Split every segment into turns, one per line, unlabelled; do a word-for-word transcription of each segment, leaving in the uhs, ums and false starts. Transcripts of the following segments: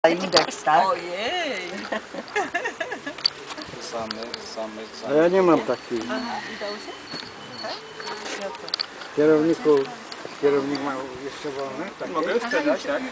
Indeks, tak?
Ojej!
Samych, samych,
A
samych.
ja nie mam takich. Kierowniku, kierownik ma jeszcze wolne? Takie?
Mogę sprzedać, tak?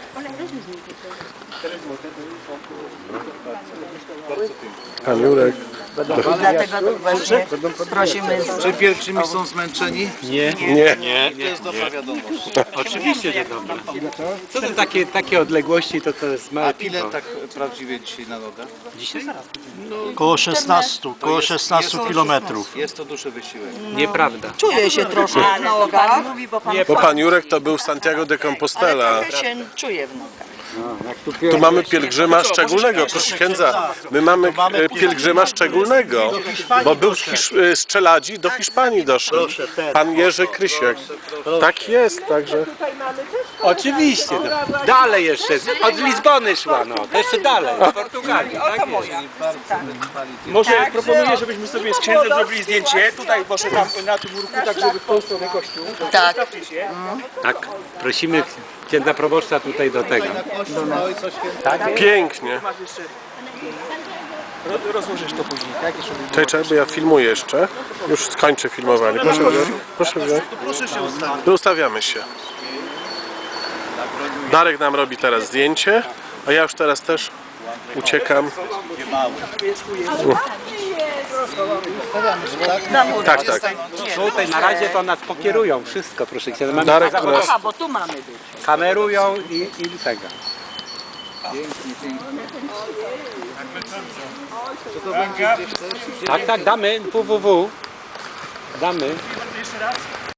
Pan Jurek.
Dlatego właśnie prosimy z...
Czy pielgrzymi są zmęczeni?
Nie. Nie.
To jest dobra wiadomość.
Oczywiście, że dobra. Co to takie, takie odległości, to to jest małe
A ile
piwo.
tak prawdziwie dzisiaj na nogach?
Dzisiaj?
Koło szesnastu, koło
jest-
szesnastu
jest-
kilometrów.
Jest to duży wysiłek.
Nieprawda.
Czuję się troszkę w nogach.
Mówi, bo pan
Nie,
Bo pan Jurek to był Santiago de Compostela.
trochę się czuje w nogach.
No, jak tu
Tu mamy pielgrzyma szczególnego, proszę księdza. My mamy e, pielgrzyma szczególnego, bo był z, Hisz z Czeladzi do Hiszpanii doszedł. Pan Jerzy Krysiek. Tak jest, także.
Oczywiście. No. Dalej jeszcze. Od Lizbony szła, no. To jeszcze dalej. Do Portugalii. Tak jest.
Może proponuję, żebyśmy sobie z księdzem zrobili zdjęcie. Tutaj może tam na tym murku, tak żeby w tą stronę kościół.
Tak.
Stawcie się.
Tak. Prosimy księdza proboszcza tutaj do tego.
Pięknie.
Masz jeszcze... Ro- Rozłożysz to później, tak? Jeszcze
Tutaj trzeba, bo ja filmuję jeszcze. Już skończę filmowanie. Proszę wziąć. Proszę wziąć.
proszę się ustawić.
Ustawiamy się. Darek nam robi teraz zdjęcie, a ja już teraz też uciekam. Tak, tak.
Tutaj na razie to nas pokierują wszystko, proszę księdza. Mamy
Darek u nas.
Aha, bo tu mamy być.
kamerują i, i tego. Tak, tak, damy www. Damy.
Jeszcze raz.